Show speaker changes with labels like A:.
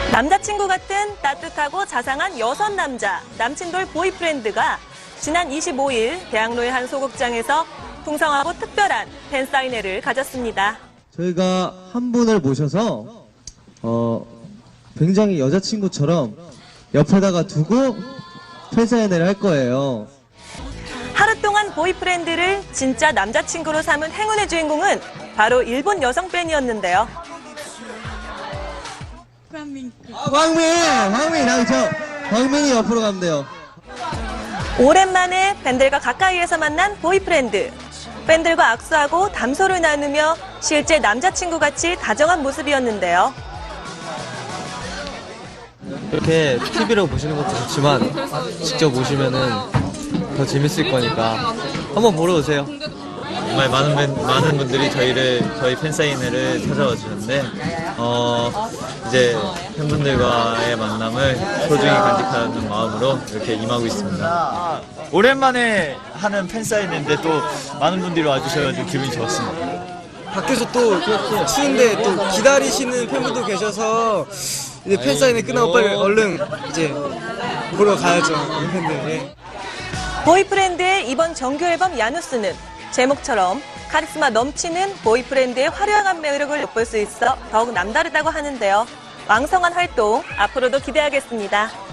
A: 남자친구 같은 따뜻하고 자상한 여선 남자, 남친돌 보이프렌드가 지난 25일 대학로의 한 소극장에서 풍성하고 특별한 팬사인회를 가졌습니다.
B: 저희가 한 분을 모셔서 굉장히 여자친구처럼 옆에다가 두고 팬사인회를 할 거예요.
A: 하루 동안 보이프렌드를 진짜 남자친구로 삼은 행운의 주인공은 바로 일본 여성 팬이었는데요.
B: 광민이 옆으로 가면 돼요.
A: 오랜만에 팬들과 가까이에서 만난 보이프렌드. 팬들과 악수하고 담소를 나누며 실제 남자친구같이 다정한 모습이었는데요.
C: 이렇게 TV로 보시는 것도 좋지만 직접 오시면은 더 재밌을 거니까 한번 보러 오세요.
D: 정말 많은 분들이 저희 팬사인회를 찾아와 주는데 이제 팬분들과의 만남을 소중히 간직하는 마음으로 이렇게 임하고 있습니다. 오랜만에 하는 팬사인회인데 또 많은 분들이 와주셔가지고 기분이 좋았습니다.
E: 밖에서 또 추운데 또 기다리시는 팬분도 계셔서 이제 팬사인회 끝나고 빨리 얼른 이제 보러 가야죠, 우리 팬들. 예.
A: 보이프렌드의 이번 정규 앨범 야누스는 제목처럼 카리스마 넘치는 보이프렌드의 화려한 매력을 엿볼 수 있어 더욱 남다르다고 하는데요. 왕성한 활동 앞으로도 기대하겠습니다.